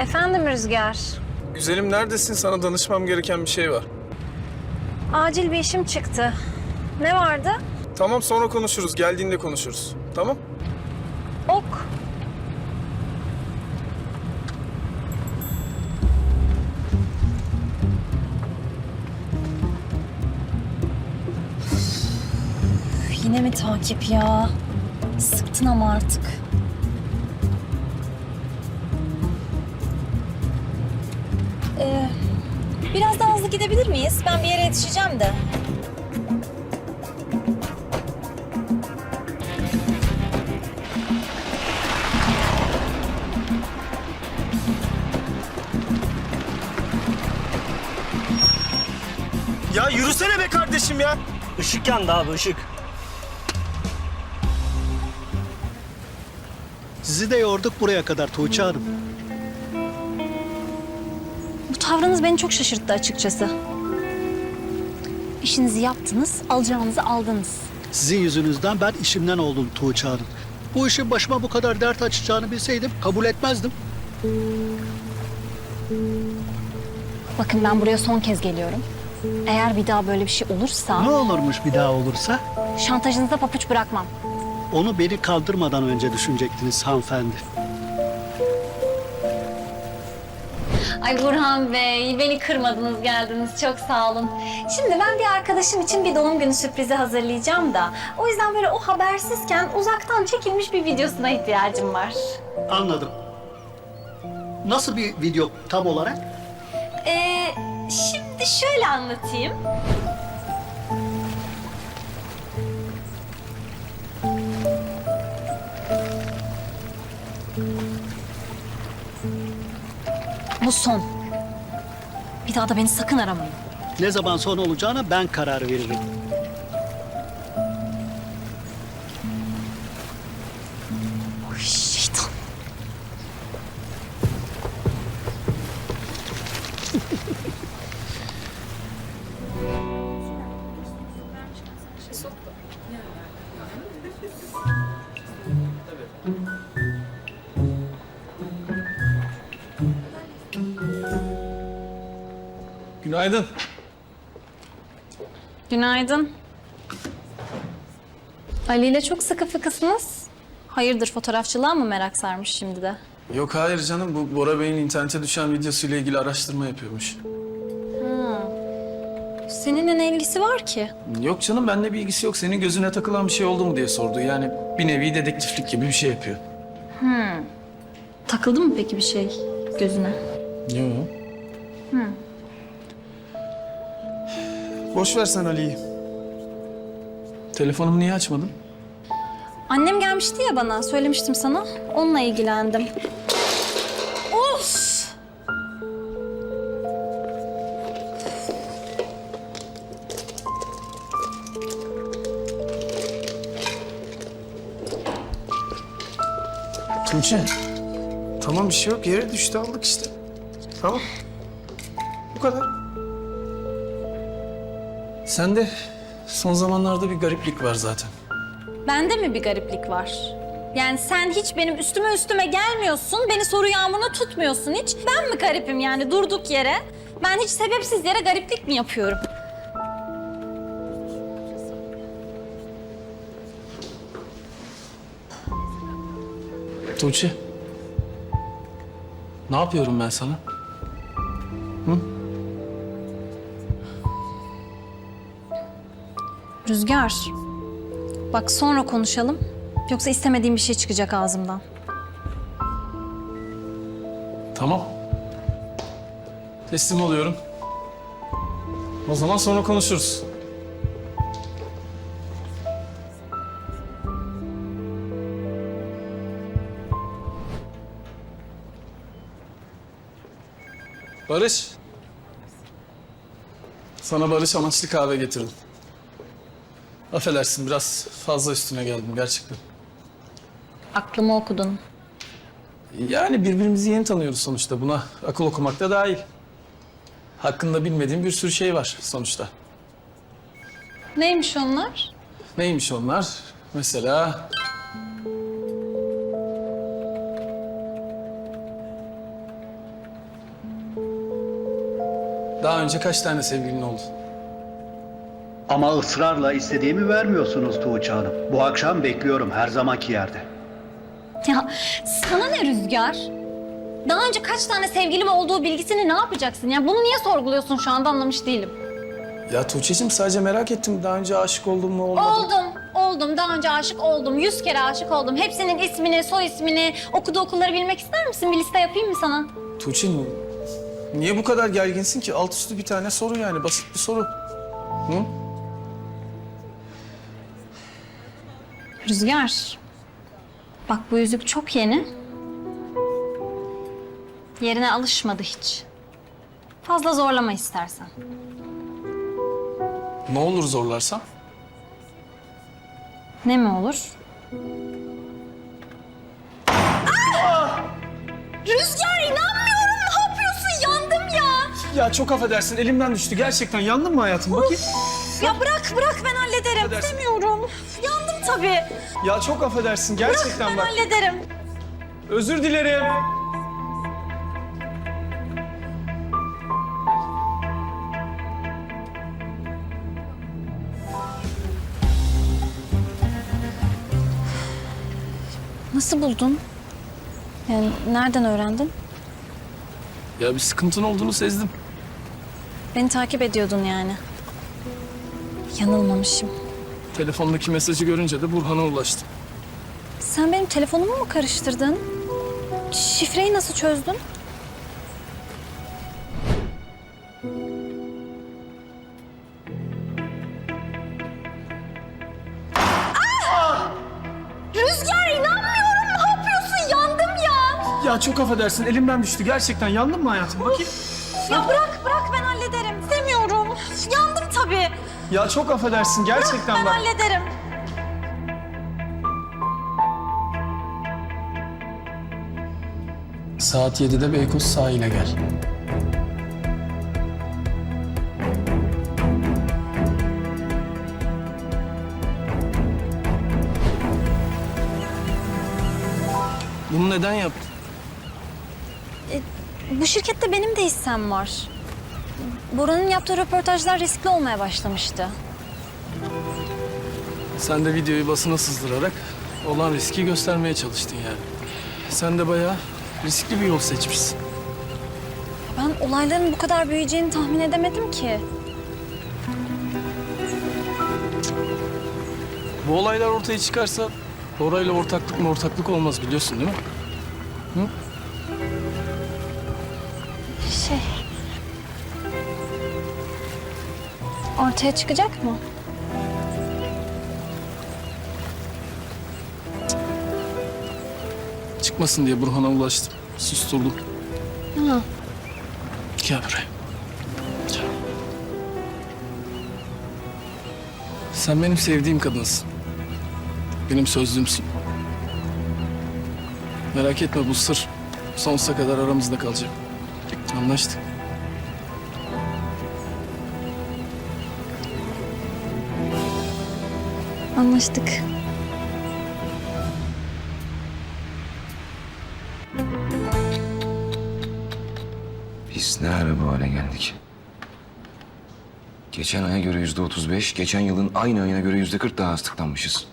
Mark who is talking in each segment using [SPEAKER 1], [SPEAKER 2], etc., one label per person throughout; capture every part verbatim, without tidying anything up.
[SPEAKER 1] Efendim Rüzgar.
[SPEAKER 2] Güzelim neredesin? Sana danışmam gereken bir şey var.
[SPEAKER 1] Acil bir işim çıktı. Ne vardı?
[SPEAKER 2] Tamam sonra konuşuruz. Geldiğinde konuşuruz. Tamam?
[SPEAKER 1] Ok. Üf, yine mi takip ya? Sıktın ama artık. Ee, biraz daha hızlı gidebilir miyiz? Ben bir yere yetişeceğim de.
[SPEAKER 2] Ya yürüsene be kardeşim ya.
[SPEAKER 3] Işık yandı abi, ışık.
[SPEAKER 4] Sizi de yorduk buraya kadar Tuğçe Hanım.
[SPEAKER 1] Bu tavrınız beni çok şaşırttı açıkçası. İşinizi yaptınız, alacağınızı aldınız.
[SPEAKER 4] Sizin yüzünüzden ben işimden oldum Tuğçe Hanım. Bu işin başıma bu kadar dert açacağını bilseydim kabul etmezdim.
[SPEAKER 1] Bakın ben buraya son kez geliyorum. Eğer bir daha böyle bir şey olursa
[SPEAKER 4] Ne olurmuş bir daha olursa?
[SPEAKER 1] şantajınıza papuç bırakmam.
[SPEAKER 4] Onu beni kaldırmadan önce düşünecektiniz hanımefendi.
[SPEAKER 1] Ay Burhan Bey, beni kırmadınız, geldiniz. Çok sağ olun. Şimdi ben bir arkadaşım için bir doğum günü sürprizi hazırlayacağım da... o yüzden böyle o habersizken uzaktan çekilmiş bir videosuna ihtiyacım var.
[SPEAKER 4] Anladım. Nasıl bir video tam olarak?
[SPEAKER 1] Ee, şimdi şöyle anlatayım. Bu son. Bir daha da beni sakın aramayın.
[SPEAKER 4] Ne zaman son olacağına ben karar veririm.
[SPEAKER 1] Oy, şeytan.
[SPEAKER 2] Günaydın.
[SPEAKER 1] Günaydın. Ali ile çok sıkı fıkısınız. Hayırdır, fotoğrafçılığa mı merak sarmış şimdi de?
[SPEAKER 2] Yok hayır canım. Bu Bora Bey'in internete düşen videosuyla ilgili araştırma yapıyormuş.
[SPEAKER 1] Seninle ne ilgisi var ki?
[SPEAKER 2] Yok canım benimle bir ilgisi yok. Senin gözüne takılan bir şey oldu mu diye sordu. Yani bir nevi dedektiflik gibi bir şey yapıyor.
[SPEAKER 1] Takıldı mı peki bir şey gözüne?
[SPEAKER 2] Yok. Boş ver sen Ali'yi. Telefonumu niye açmadın?
[SPEAKER 1] Annem gelmişti ya bana, söylemiştim sana. Onunla ilgilendim. Of!
[SPEAKER 2] Tuğçe. Tamam bir şey yok. Yere düştü aldık işte. Tamam. Bu kadar. Sende son zamanlarda bir gariplik var zaten.
[SPEAKER 1] Bende mi bir gariplik var? Yani sen hiç benim üstüme üstüme gelmiyorsun, beni soru yağmuruna tutmuyorsun hiç. Ben mi garipim yani durduk yere? Ben hiç sebepsiz yere gariplik mi yapıyorum?
[SPEAKER 2] Tuğçe. Ne yapıyorum ben sana? Hı?
[SPEAKER 1] Rüzgar, bak sonra konuşalım. Yoksa istemediğim bir şey çıkacak ağzımdan.
[SPEAKER 2] Tamam. Teslim oluyorum. O zaman sonra konuşuruz. Barış. Sana barış amaçlı kahve getirdim. Affedersin biraz fazla üstüne geldim gerçekten.
[SPEAKER 1] Aklımı okudun.
[SPEAKER 2] Yani birbirimizi yeni tanıyoruz sonuçta. Buna akıl okumak da dahil. Hakkında bilmediğim bir sürü şey var sonuçta.
[SPEAKER 1] Neymiş onlar?
[SPEAKER 2] Neymiş onlar? Mesela... Daha önce kaç tane sevgilin oldu?
[SPEAKER 4] Ama ısrarla istediğimi vermiyorsunuz Tuğçe Hanım. Bu akşam bekliyorum her zamanki yerde.
[SPEAKER 1] Ya sana ne Rüzgar? Daha önce kaç tane sevgilim olduğu bilgisini ne yapacaksın? Ya bunu niye sorguluyorsun şu anda anlamış değilim.
[SPEAKER 2] Ya Tuğçe'cim sadece merak ettim. Daha önce aşık oldun mu olmadın mı?
[SPEAKER 1] Oldum, oldum. Daha önce aşık oldum. Yüz kere aşık oldum. Hepsinin ismini, soy ismini, okuduğu okulları bilmek ister misin? Bir liste yapayım mı sana?
[SPEAKER 2] Tuğçe niye bu kadar gerginsin ki? Alt üstü bir tane soru yani. Basit bir soru. Hı?
[SPEAKER 1] Rüzgar, bak bu yüzük çok yeni. Yerine alışmadı hiç. Fazla zorlama istersen.
[SPEAKER 2] Ne olur zorlarsam?
[SPEAKER 1] Ne mi olur? Ah! Rüzgar inanmıyorum. Ne yapıyorsun? Yandım ya.
[SPEAKER 2] Ya çok affedersin. Elimden düştü. Gerçekten yandın mı hayatım? Bakayım.
[SPEAKER 1] Ya bırak bırak ben hallederim.
[SPEAKER 2] Affedersin.
[SPEAKER 1] Demiyorum. Yandım tabii.
[SPEAKER 2] Ya çok affedersin.
[SPEAKER 1] Bırak
[SPEAKER 2] Gerçekten
[SPEAKER 1] ben
[SPEAKER 2] bak.
[SPEAKER 1] hallederim.
[SPEAKER 2] Özür dilerim.
[SPEAKER 1] Nasıl buldun? Yani nereden öğrendin?
[SPEAKER 2] Ya bir sıkıntın olduğunu sezdim.
[SPEAKER 1] Beni takip ediyordun yani. Yanılmamışım.
[SPEAKER 2] Telefondaki mesajı görünce de Burhan'a ulaştım.
[SPEAKER 1] Sen benim telefonumu mu karıştırdın? Şifreyi nasıl çözdün? Ah! Rüzgar inanmıyorum. Ne yapıyorsun? Yandım ya.
[SPEAKER 2] Ya çok affedersin. Elimden düştü. Gerçekten yandın mı hayatım? Bakayım.
[SPEAKER 1] Ya bırak bırak ben hallederim. Demiyorum. Yandım tabii.
[SPEAKER 2] Ya çok affedersin. Gerçekten
[SPEAKER 1] Ben
[SPEAKER 2] bak.
[SPEAKER 1] hallederim.
[SPEAKER 2] Saat yedide Beykoz sahile gel. Bunu neden yaptın?
[SPEAKER 1] Bu şirkette benim de hissem var. Bora'nın yaptığı röportajlar riskli olmaya başlamıştı.
[SPEAKER 2] Sen de videoyu basına sızdırarak olan riski göstermeye çalıştın yani. Sen de bayağı riskli bir yol seçmişsin.
[SPEAKER 1] Ben olayların bu kadar büyüyeceğini tahmin edemedim ki.
[SPEAKER 2] Bu olaylar ortaya çıkarsa Bora'yla ortaklık mı ortaklık olmaz biliyorsun değil mi? Hı?
[SPEAKER 1] Şey... Ortaya çıkacak mı?
[SPEAKER 2] Çıkmasın diye Burhan'a ulaştım. Susturdum.
[SPEAKER 1] Ha.
[SPEAKER 2] Gel buraya. Gel. Sen benim sevdiğim kadınsın. Benim sözlümsün. Merak etme bu sır sonsuza kadar aramızda kalacak. Anlaştık.
[SPEAKER 1] Anlaştık.
[SPEAKER 3] Biz ne ara bu hale geldik? Geçen aya göre yüzde otuz beş, geçen yılın aynı ayına göre yüzde kırk daha az tıklanmışız.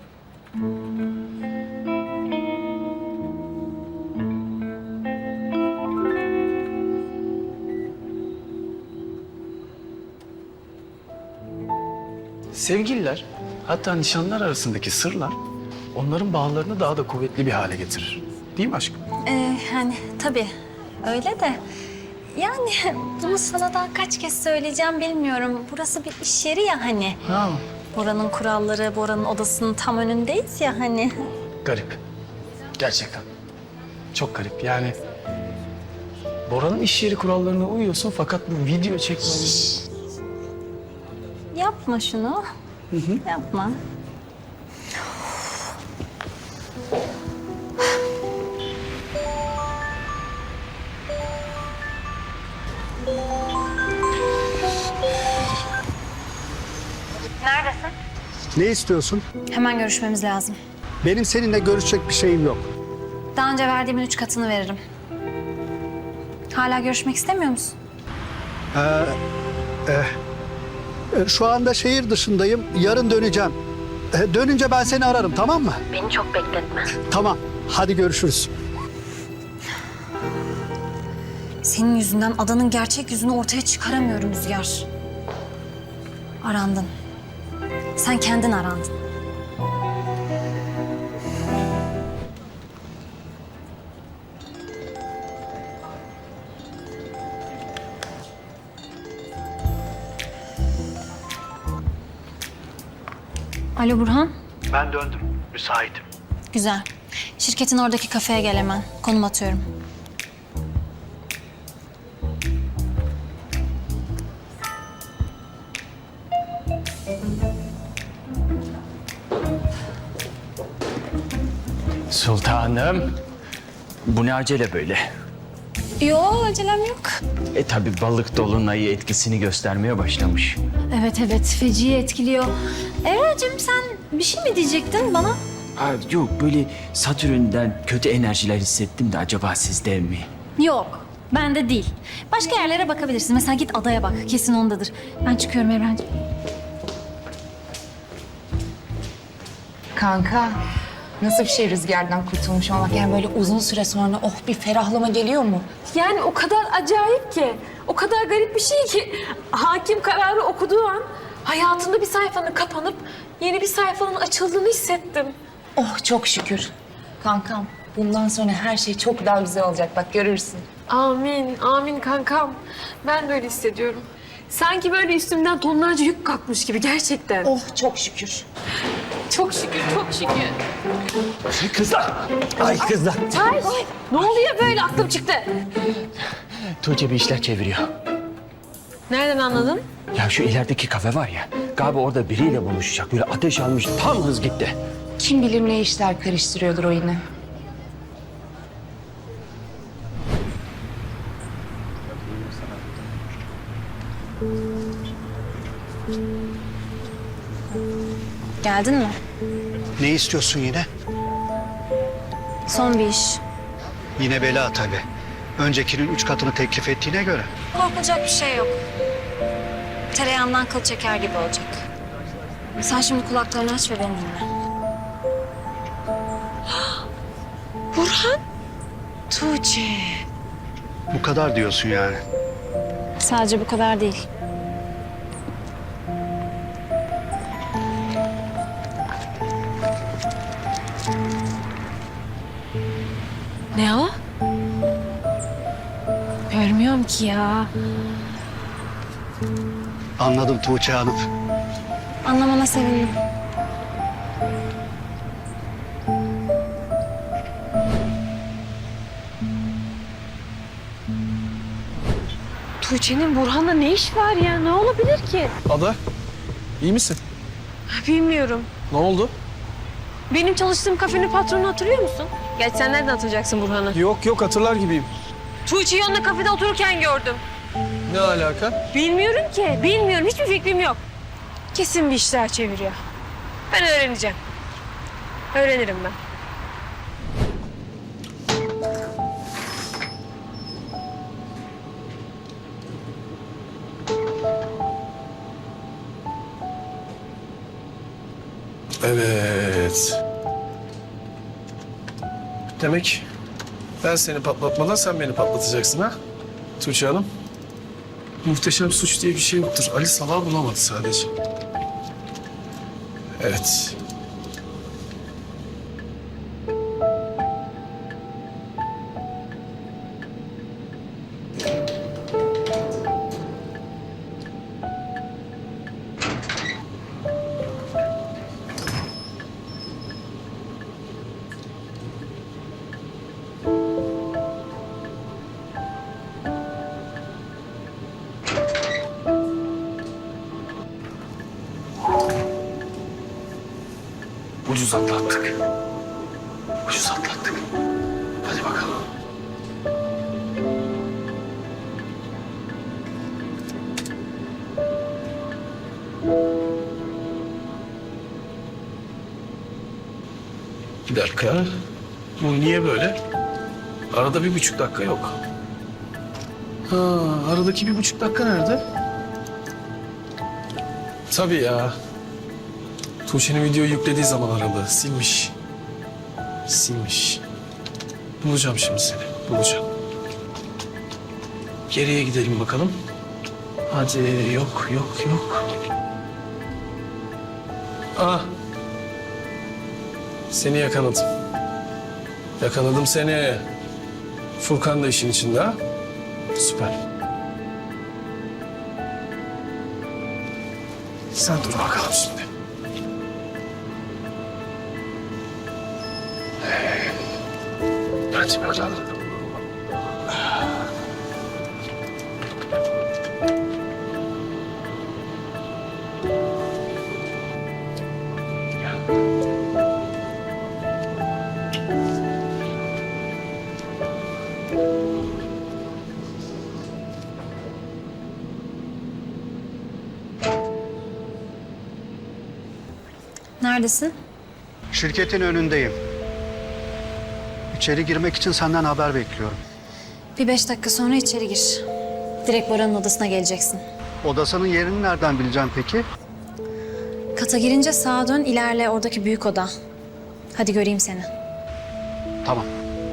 [SPEAKER 2] Sevgililer, hatta nişanlar arasındaki sırlar onların bağlarını daha da kuvvetli bir hale getirir. Değil mi aşkım?
[SPEAKER 1] Ee, yani tabii öyle de... Yani bunu sana daha kaç kez söyleyeceğim bilmiyorum. Burası bir iş yeri ya hani.
[SPEAKER 2] Ha.
[SPEAKER 1] Bora'nın kuralları, Bora'nın odasının tam önündeyiz ya hani.
[SPEAKER 2] Garip. Gerçekten. Çok garip. Yani Bora'nın iş yeri kurallarına uyuyorsun fakat bu video çekmemiz...
[SPEAKER 1] Yapma şunu. Yapma. Neredesin?
[SPEAKER 4] Ne istiyorsun?
[SPEAKER 1] Hemen görüşmemiz lazım.
[SPEAKER 4] Benim seninle görüşecek bir şeyim yok.
[SPEAKER 1] Daha önce verdiğimin üç katını veririm. Hala görüşmek istemiyor musun?
[SPEAKER 4] Ee, e, e, şu anda şehir dışındayım. Yarın döneceğim. E, dönünce ben seni ararım, tamam mı?
[SPEAKER 1] Beni çok bekletme.
[SPEAKER 4] Tamam. Hadi görüşürüz.
[SPEAKER 1] Senin yüzünden adanın gerçek yüzünü ortaya çıkaramıyorum Rüzgar. Arandın. Sen kendin arandın. Alo Burhan.
[SPEAKER 4] Ben döndüm. Müsaitim.
[SPEAKER 1] Güzel. Şirketin oradaki kafeye gel hemen. Konum atıyorum.
[SPEAKER 2] Sultanım. Bu ne acele böyle?
[SPEAKER 1] Yo, acelem yok.
[SPEAKER 2] E tabi balık dolunayı etkisini göstermeye başlamış.
[SPEAKER 1] Evet evet, feci etkiliyor. Evracığım sen bir şey mi diyecektin bana?
[SPEAKER 5] Ha, yok böyle Satürn'den kötü enerjiler hissettim de acaba sizde mi?
[SPEAKER 1] Yok, bende değil. Başka yerlere bakabilirsin. Mesela git adaya bak, kesin ondadır. Ben çıkıyorum Evrencim.
[SPEAKER 6] Kanka, nasıl bir şey rüzgardan kurtulmuş olmak? Yani böyle uzun süre sonra oh bir ferahlama geliyor mu?
[SPEAKER 7] Yani o kadar acayip ki, o kadar garip bir şey ki hakim kararı okuduğu an hayatında bir sayfanın kapanıp yeni bir sayfanın açıldığını hissettim.
[SPEAKER 6] Oh çok şükür. Kankam, bundan sonra her şey çok daha güzel olacak. Bak görürsün.
[SPEAKER 7] Amin, amin kankam. Ben de öyle hissediyorum. Sanki böyle üstümden tonlarca yük kalkmış gibi gerçekten.
[SPEAKER 6] Oh çok şükür.
[SPEAKER 7] Çok şükür, çok şükür.
[SPEAKER 2] Kızlar! Ay kızlar!
[SPEAKER 7] Ay, ne oluyor böyle? Aklım çıktı.
[SPEAKER 2] Tuğçe bir işler çeviriyor.
[SPEAKER 7] Nereden anladın?
[SPEAKER 2] Ya şu ilerideki kafe var ya, galiba orada biriyle buluşacak. Böyle ateş almış, tam hız gitti.
[SPEAKER 6] Kim bilir ne işler karıştırıyordur o yine.
[SPEAKER 1] Geldin mi?
[SPEAKER 4] Ne istiyorsun yine?
[SPEAKER 1] Son bir iş.
[SPEAKER 4] Yine bela tabii. Öncekinin üç katını teklif ettiğine göre.
[SPEAKER 1] Korkulacak bir şey yok. Tereyağından kıl çeker gibi olacak. Sen şimdi kulaklarını aç ve beni dinle.
[SPEAKER 7] Burhan. Tuğçe.
[SPEAKER 4] Bu kadar diyorsun yani.
[SPEAKER 1] Sadece bu kadar değil.
[SPEAKER 7] Ne o? Görmüyorum ki ya.
[SPEAKER 4] Anladım Tuğçe Hanım.
[SPEAKER 1] Anlamana sevindim.
[SPEAKER 7] Tuğçe'nin Burhan'la ne iş var ya? Ne olabilir ki?
[SPEAKER 2] Ada, iyi misin?
[SPEAKER 7] Bilmiyorum.
[SPEAKER 2] Ne oldu?
[SPEAKER 7] Benim çalıştığım kafenin patronu hatırlıyor musun? Gerçi sen nereden hatırlayacaksın Burhan'ı?
[SPEAKER 2] Yok yok, hatırlar gibiyim.
[SPEAKER 7] Tuğçe'yi onunla kafede otururken gördüm.
[SPEAKER 2] Ne alaka?
[SPEAKER 7] Bilmiyorum ki. Bilmiyorum. Hiçbir fikrim yok. Kesin bir işler çeviriyor. Ben öğreneceğim. Öğrenirim ben.
[SPEAKER 8] Evet. Demek ben seni patlatmadan sen beni patlatacaksın ha? Tuğçe Hanım. Muhteşem suç diye bir şey yoktur. Ali salağı bulamadı sadece. Evet.
[SPEAKER 2] Ucuz atlattık. Ucuz atlattık. Hadi bakalım.
[SPEAKER 8] Bir dakika. Bu niye böyle? Arada bir buçuk dakika yok. Ha, aradaki bir buçuk dakika nerede? Tabii ya. Tuğçe'nin videoyu yüklediği zaman aradı. Silmiş. Silmiş. Bulacağım şimdi seni. Bulacağım. Geriye gidelim bakalım. Hadi yok yok yok. Ah. Seni yakaladım. Yakaladım seni. Furkan da işin içinde ha. Süper. Sen dur bakalım şimdi. Hadi bakalım.
[SPEAKER 1] Neredesin?
[SPEAKER 4] Şirketin önündeyim. İçeri girmek için senden haber bekliyorum.
[SPEAKER 1] Bir beş dakika sonra içeri gir. Direkt Bora'nın odasına geleceksin.
[SPEAKER 4] Odasının yerini nereden bileceğim peki?
[SPEAKER 1] Kata girince sağa dön, ilerle oradaki büyük oda. Hadi göreyim seni.
[SPEAKER 4] Tamam.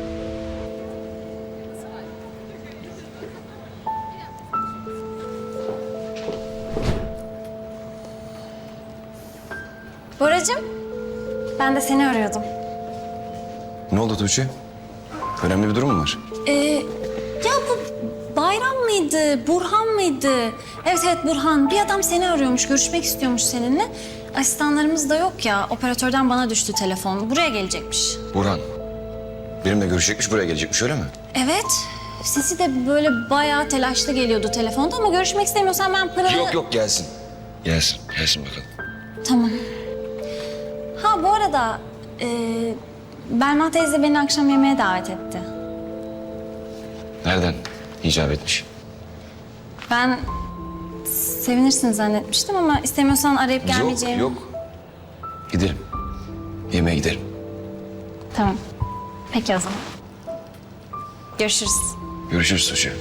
[SPEAKER 1] Boracığım, ben de seni arıyordum.
[SPEAKER 3] Ne oldu Tuğçe? Önemli bir durum mu var?
[SPEAKER 1] Ee, ya bu Bayram mıydı, Burhan mıydı? Evet evet Burhan. Bir adam seni arıyormuş, görüşmek istiyormuş seninle. Asistanlarımız da yok ya, operatörden bana düştü telefon. Buraya gelecekmiş.
[SPEAKER 3] Burhan. Benimle görüşecekmiş, buraya gelecekmiş öyle mi?
[SPEAKER 1] Evet, sesi de böyle bayağı telaşlı geliyordu telefonda ama görüşmek istemiyorsan ben Pınar'ı...
[SPEAKER 3] Yok yok gelsin. Gelsin, gelsin bakalım.
[SPEAKER 1] Tamam. Ha bu arada e, Belma teyze beni akşam yemeğe davet etti.
[SPEAKER 3] Nereden icap etmiş?
[SPEAKER 1] Ben sevinirsin zannetmiştim ama istemiyorsan arayıp gelmeyeceğimi...
[SPEAKER 3] Yok, yok. Gidelim. Yemeğe gidelim.
[SPEAKER 1] Tamam. Peki o zaman. Görüşürüz.
[SPEAKER 3] Görüşürüz Tuğçe.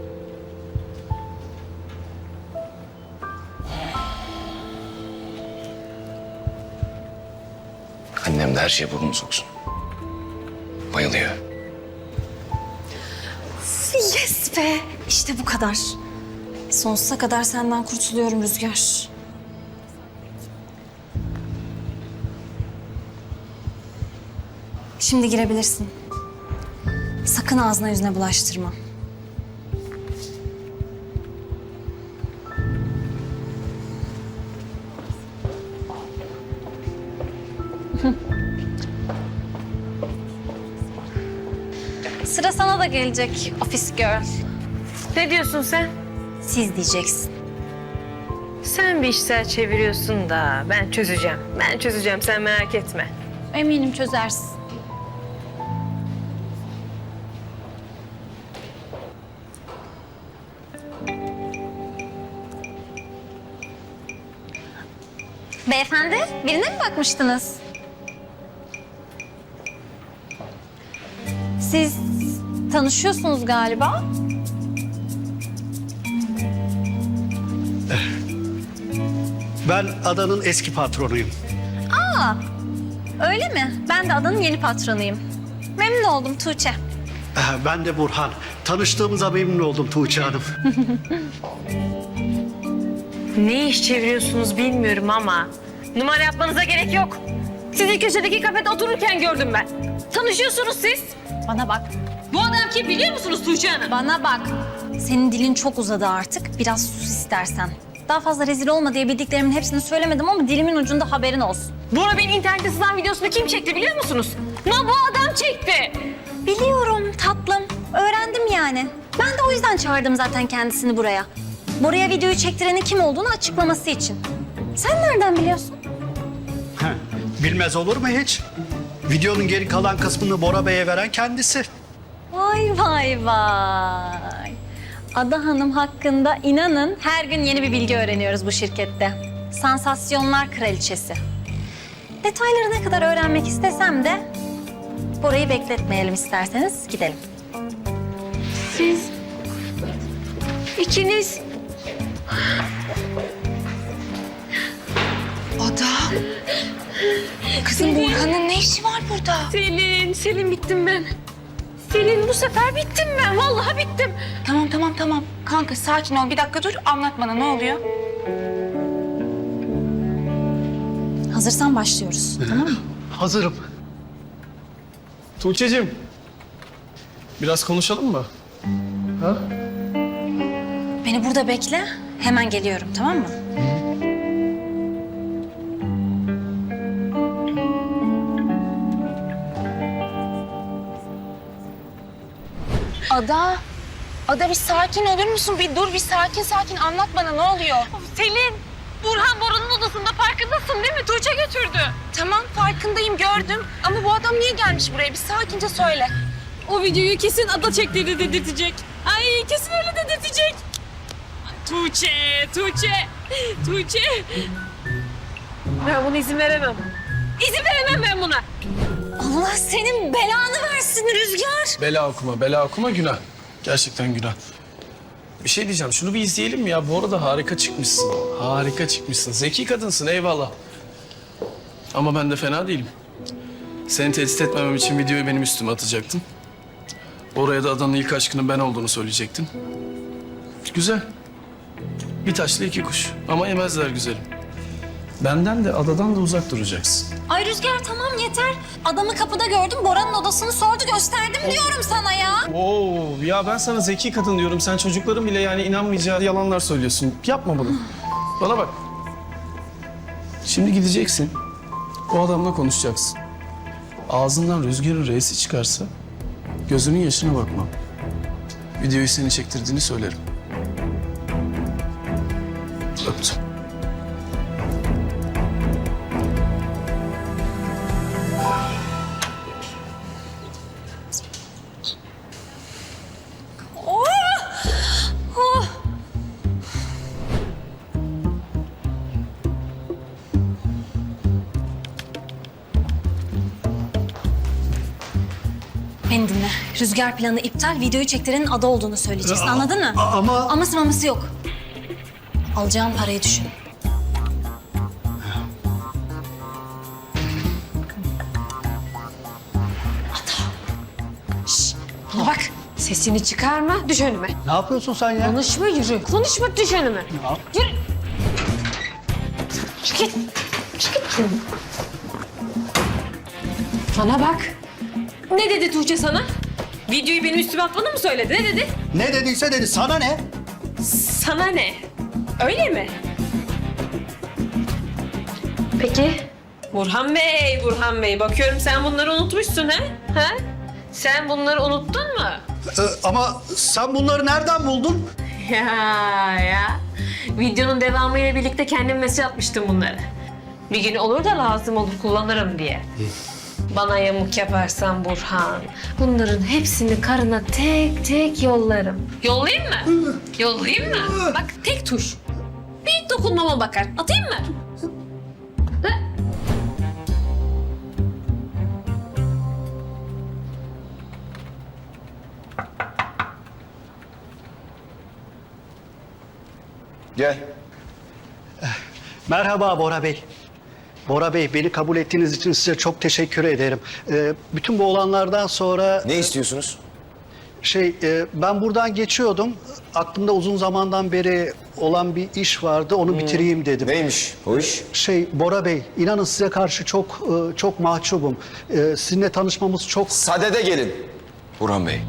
[SPEAKER 3] Annem de her şeye burnunu soksun. Bayılıyor.
[SPEAKER 1] Yes be! İşte bu kadar. Sonsuza kadar senden kurtuluyorum Rüzgar. Şimdi girebilirsin. Sakın ağzına yüzüne bulaştırma. Sıra sana da gelecek office girl.
[SPEAKER 7] Ne diyorsun sen?
[SPEAKER 1] Siz diyeceksin.
[SPEAKER 7] Sen bir işler çeviriyorsun da ben çözeceğim. Ben çözeceğim, sen merak etme.
[SPEAKER 1] Eminim çözersin. Beyefendi, birine mi bakmıştınız? Siz tanışıyorsunuz galiba.
[SPEAKER 4] Ben adanın eski patronuyum.
[SPEAKER 1] Aa, öyle mi? Ben de adanın yeni patronuyum. Memnun oldum Tuğçe.
[SPEAKER 4] Ee, Ben de Burhan. Tanıştığımıza memnun oldum Tuğçe Hanım.
[SPEAKER 7] Ne iş çeviriyorsunuz bilmiyorum ama numara yapmanıza gerek yok. Sizi köşedeki kafede otururken gördüm ben. Tanışıyorsunuz siz.
[SPEAKER 1] Bana bak,
[SPEAKER 7] Bu adam kim biliyor musunuz Tuğçe Hanım?
[SPEAKER 1] bana bak. Senin dilin çok uzadı artık. Biraz sus istersen. Daha fazla rezil olma diye bildiklerimin hepsini söylemedim ama dilimin ucunda haberin olsun.
[SPEAKER 7] Bora Bey'in internette sızan videosunu kim çekti biliyor musunuz? No, bu adam çekti.
[SPEAKER 1] Biliyorum tatlım. Öğrendim yani. Ben de o yüzden çağırdım zaten kendisini buraya. Bora'ya videoyu çektirenin kim olduğunu açıklaması için. Sen nereden biliyorsun?
[SPEAKER 4] Heh, Bilmez olur mu hiç? Videonun geri kalan kısmını Bora Bey'e veren kendisi.
[SPEAKER 1] Vay vay vay. Ada Hanım hakkında inanın her gün yeni bir bilgi öğreniyoruz bu şirkette. Sansasyonlar kraliçesi. Detayları ne kadar öğrenmek istesem de Bora'yı bekletmeyelim isterseniz gidelim.
[SPEAKER 7] Siz İkiniz.
[SPEAKER 6] Ada. Kızım Burhan'ın ne işi var burada?
[SPEAKER 7] Selin, Selin bittim ben. Selin bu sefer bittim ben. Vallahi bittim.
[SPEAKER 6] Tamam tamam tamam. Kanka sakin ol. Bir dakika dur. Anlat bana ne oluyor?
[SPEAKER 1] Hazırsan başlıyoruz. Tamam mı?
[SPEAKER 4] Hazırım.
[SPEAKER 8] Tuğçe'cim. Biraz konuşalım mı? Ha?
[SPEAKER 1] Beni burada bekle. Hemen geliyorum, tamam mı?
[SPEAKER 6] Ada. Ada bir sakin olur musun? Bir dur bir sakin sakin anlat bana ne oluyor?
[SPEAKER 7] Selin, Burhan Bora'nın odasında farkındasın değil mi? Tuğçe götürdü.
[SPEAKER 6] Tamam farkındayım gördüm. Ama bu adam niye gelmiş buraya? Bir sakince söyle.
[SPEAKER 7] O videoyu kesin Ada çektiğini dedirtecek. Ay kesin öyle dedirtecek. Tuğçe, Tuğçe, Tuğçe. Ben buna izin veremem. İzin veremem ben buna.
[SPEAKER 1] Allah senin belanı versin Rüzgar.
[SPEAKER 8] Bela okuma, bela okuma günah. Gerçekten günah. Bir şey diyeceğim, şunu bir izleyelim mi ya? Bu arada harika çıkmışsın. Harika çıkmışsın. Zeki kadınsın, eyvallah. Ama ben de fena değilim. Seni tehdit etmemem için videoyu benim üstüme atacaktın. Oraya da adanın ilk aşkının ben olduğunu söyleyecektin. Güzel. Bir taşla iki kuş. Ama yemezler güzelim. Benden de adadan da uzak duracaksın.
[SPEAKER 1] Ay Rüzgar tamam yeter. Adamı kapıda gördüm, Bora'nın odasını sordu, gösterdim diyorum sana ya.
[SPEAKER 8] Oo, ya ben sana zeki kadın diyorum. Sen çocukların bile yani inanmayacağı yalanlar söylüyorsun. Yapma bunu. Bana bak. Şimdi gideceksin. O adamla konuşacaksın. Ağzından Rüzgar'ın reisi çıkarsa gözünün yaşına bakma. Videoyu seni çektirdiğini söylerim. Öptüm.
[SPEAKER 1] Beni dinle. Rüzgar planı iptal, videoyu çektirenin Ada olduğunu söyleyeceksin, anladın mı?
[SPEAKER 4] Ama
[SPEAKER 1] Aması maması yok. Alacağın parayı düşün.
[SPEAKER 7] Bana bak, sesini çıkarma, düş önüme.
[SPEAKER 4] ne yapıyorsun sen ya?
[SPEAKER 7] Konuşma yürü, konuşma düş önüme. Yürü. Çık git, çık git. Bana bak. Ne dedi Tuğçe sana? Videoyu benim üstüme atmanı mı söyledi? Ne dedi?
[SPEAKER 4] Ne dediyse dedi. Sana ne?
[SPEAKER 7] Sana ne? Öyle mi? Peki. Burhan Bey, Burhan Bey. Bakıyorum sen bunları unutmuşsun ha? Ha? Sen bunları unuttun mu?
[SPEAKER 4] Ee, ama sen bunları nereden buldun?
[SPEAKER 7] Ya ya. Videonun devamıyla birlikte kendim mesaj atmıştım bunları. Bir gün olur da lazım olur kullanırım diye. Bana yamuk yaparsan Burhan, bunların hepsini karına tek tek yollarım. Yollayayım mı? Yollayayım mı? Bak tek tuş. Bir dokunmama bakar. Atayım mı? Ha?
[SPEAKER 3] Gel.
[SPEAKER 4] Merhaba Bora Bey. Bora Bey, beni kabul ettiğiniz için size çok teşekkür ederim. Ee, bütün bu olanlardan sonra...
[SPEAKER 3] Ne istiyorsunuz?
[SPEAKER 4] Şey, e, ben buradan geçiyordum. Aklımda uzun zamandan beri olan bir iş vardı. Onu bitireyim dedim.
[SPEAKER 3] Neymiş o iş?
[SPEAKER 4] Şey, Bora Bey, inanın size karşı çok e, çok mahcubum. E, sizinle tanışmamız çok...
[SPEAKER 3] Sadede gelin. Burhan Bey.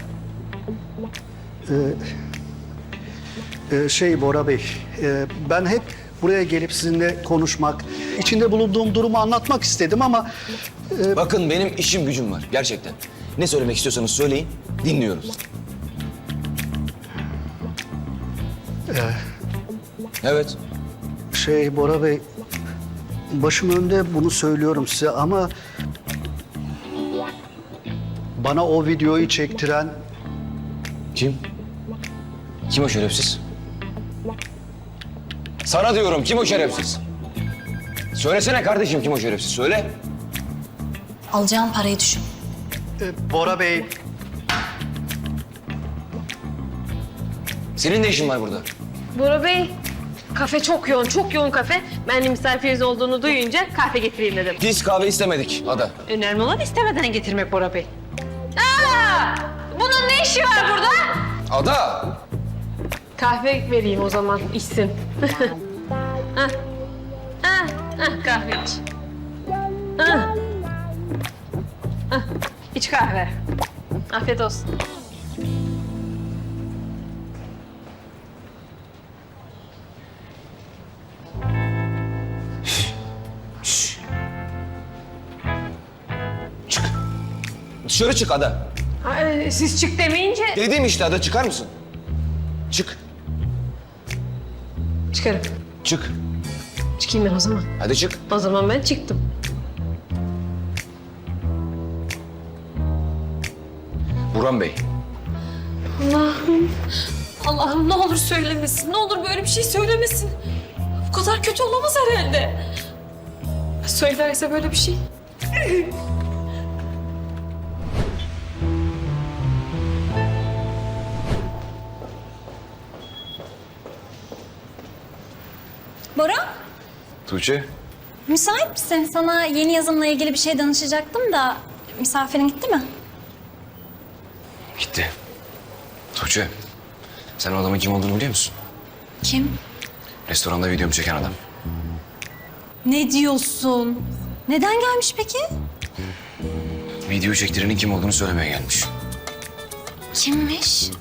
[SPEAKER 4] e, şey Bora Bey, e, ben hep buraya gelip sizinle konuşmak, içinde bulunduğum durumu anlatmak istedim ama...
[SPEAKER 3] Bakın benim işim gücüm var gerçekten. Ne söylemek istiyorsanız söyleyin, dinliyoruz. Evet.
[SPEAKER 4] Şey Bora Bey, başım önde bunu söylüyorum size ama... Bana o videoyu çektiren...
[SPEAKER 3] Kim? Kim o şerefsiz? Sana diyorum kim o şerefsiz? Söylesene kardeşim kim o şerefsiz söyle.
[SPEAKER 1] Alacağın parayı düşün.
[SPEAKER 4] e, Bora Bey...
[SPEAKER 3] Senin de işin var burada.
[SPEAKER 7] Bora Bey, kafe çok yoğun, çok yoğun kafe. Ben de misafiriniz olduğunu duyunca kahve getireyim dedim.
[SPEAKER 3] Biz kahve istemedik Ada.
[SPEAKER 7] Önemli olan istemeden getirmek Bora Bey. Aa! Bunun ne işi var burada?
[SPEAKER 3] Ada!
[SPEAKER 7] Kahve vereyim o zaman, içsin. Hah. Hah, hah, kahve iç. Hah. Hah, iç kahve. Afiyet olsun.
[SPEAKER 3] Çık. Dışarı çık Ada.
[SPEAKER 7] Ay, siz çık demeyince...
[SPEAKER 3] Dedim işte Ada, çıkar mısın? Çık.
[SPEAKER 7] Çıkarım.
[SPEAKER 3] Çık.
[SPEAKER 7] Çıkayım ben o zaman.
[SPEAKER 3] Hadi çık.
[SPEAKER 7] O zaman ben çıktım.
[SPEAKER 3] Burhan Bey.
[SPEAKER 7] Allah'ım. Allah'ım ne olur söylemesin. Ne olur böyle bir şey söylemesin. Bu kadar kötü olamaz herhalde. Söylerse böyle bir şey.
[SPEAKER 1] Bora,
[SPEAKER 3] Tuğçe.
[SPEAKER 1] müsait misin? Sana yeni yazımla ilgili bir şey danışacaktım da misafirin gitti mi?
[SPEAKER 3] Gitti. Tuğçe. Sen o adamın kim olduğunu biliyor musun?
[SPEAKER 1] Kim?
[SPEAKER 3] Restoranda videomu çeken adam.
[SPEAKER 1] Ne diyorsun? Neden gelmiş peki?
[SPEAKER 3] Video çektirenin kim olduğunu söylemeye gelmiş.
[SPEAKER 1] Kimmiş?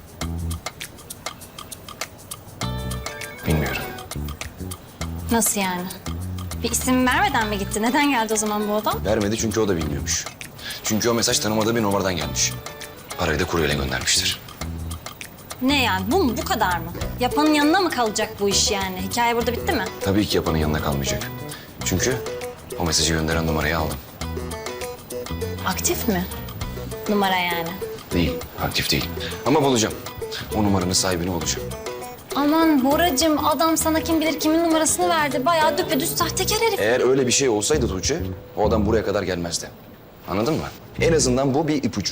[SPEAKER 3] Bilmiyorum.
[SPEAKER 1] Nasıl yani? Bir isim vermeden mi gitti? Neden geldi o zaman bu adam?
[SPEAKER 3] Vermedi çünkü o da bilmiyormuş. Çünkü o mesaj tanımadığı bir numaradan gelmiş. Parayı da kuryeyle göndermiştir.
[SPEAKER 1] Ne yani? Bu mu? Bu kadar mı? Yapanın yanına mı kalacak bu iş yani? Hikaye burada bitti mi?
[SPEAKER 3] Tabii ki yapanın yanına kalmayacak. Çünkü o mesajı gönderen numarayı aldım.
[SPEAKER 1] Aktif mi? Numara yani.
[SPEAKER 3] Değil, aktif değil. Ama bulacağım. O numaranın sahibini bulacağım.
[SPEAKER 1] Aman Boracığım, adam sana kim bilir kimin numarasını verdi. Bayağı düpedüz sahtekar herif.
[SPEAKER 3] Eğer öyle bir şey olsaydı Tuğçe, o adam buraya kadar gelmezdi. Anladın mı? En azından bu bir ipucu.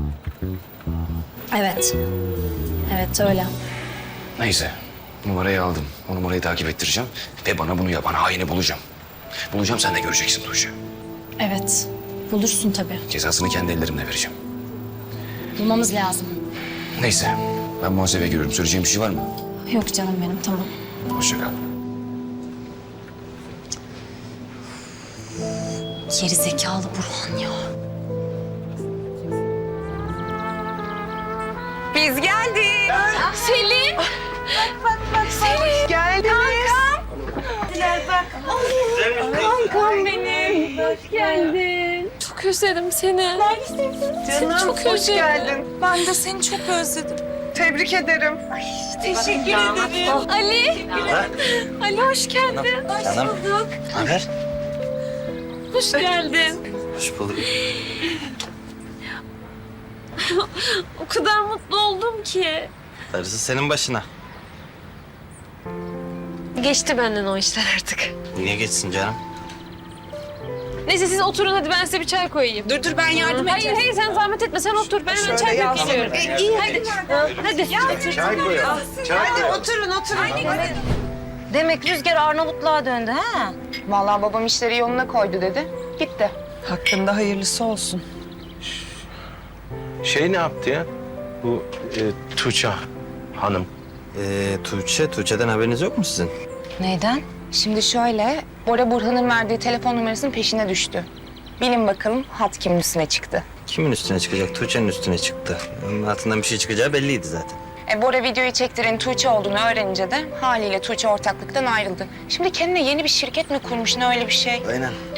[SPEAKER 1] Evet. Evet öyle.
[SPEAKER 3] Neyse, numarayı aldım. O numarayı takip ettireceğim ve bana bunu yapan haini bulacağım. Bulacağım, sen de göreceksin Tuğçe.
[SPEAKER 1] Evet. Bulursun tabii.
[SPEAKER 3] Cezasını kendi ellerimle vereceğim.
[SPEAKER 1] Bulmamız lazım.
[SPEAKER 3] Neyse, ben muhasebeye giriyorum. Söyleyeceğim bir şey var mı?
[SPEAKER 1] Yok canım benim, tamam.
[SPEAKER 3] Hoşça kal.
[SPEAKER 1] Geri zekalı Burhan ya.
[SPEAKER 6] Biz geldik.
[SPEAKER 7] Selim. Kankam benim. Hoş geldin. Çok özledim seni. Seni çok
[SPEAKER 6] Hoş
[SPEAKER 7] özledim.
[SPEAKER 6] geldin.
[SPEAKER 9] Ben de seni çok özledim.
[SPEAKER 6] Tebrik ederim.
[SPEAKER 9] Teşekkür ederim.
[SPEAKER 7] Ali. Ali hoş geldin. Hoş
[SPEAKER 10] Canım.
[SPEAKER 7] bulduk.
[SPEAKER 10] Haber?
[SPEAKER 7] Hoş geldin.
[SPEAKER 10] Hoş bulduk.
[SPEAKER 7] O kadar mutlu oldum ki.
[SPEAKER 10] Darısı senin başına.
[SPEAKER 7] Geçti benden o işler artık.
[SPEAKER 10] Niye geçsin canım?
[SPEAKER 7] Neyse siz oturun hadi ben size bir çay koyayım.
[SPEAKER 9] Dur dur ben yardım
[SPEAKER 7] Hayır
[SPEAKER 9] edeceğim.
[SPEAKER 7] hayır sen zahmet etme sen otur. Ben hemen çay koyup geliyorum.
[SPEAKER 9] E, iyi hadi.
[SPEAKER 7] Hadi.
[SPEAKER 10] Çay koyalım.
[SPEAKER 9] Hadi oturun oturun.
[SPEAKER 11] Demek Rüzgar Arnavutluğa döndü ha?
[SPEAKER 6] Vallahi babam işleri yoluna koydu dedi. Gitti.
[SPEAKER 9] Hakkında hayırlısı olsun.
[SPEAKER 12] Şey ne yaptı ya? Bu e, Tuğçe Hanım.
[SPEAKER 10] Ee, Tuğçe, Tuğçe'den haberiniz yok mu sizin?
[SPEAKER 6] Neyden? Şimdi şöyle, Bora Burhan'ın verdiği telefon numarasının peşine düştü. Bilin bakalım hat kimin üstüne çıktı.
[SPEAKER 10] Kimin üstüne çıkacak? Tuğçe'nin üstüne çıktı. Onun altından bir şey çıkacağı belliydi zaten.
[SPEAKER 6] E, Bora videoyu çektiren Tuğçe olduğunu öğrenince de haliyle Tuğçe ortaklıktan ayrıldı. Şimdi kendine yeni bir şirket mi kurmuş ne öyle bir şey?
[SPEAKER 10] Aynen.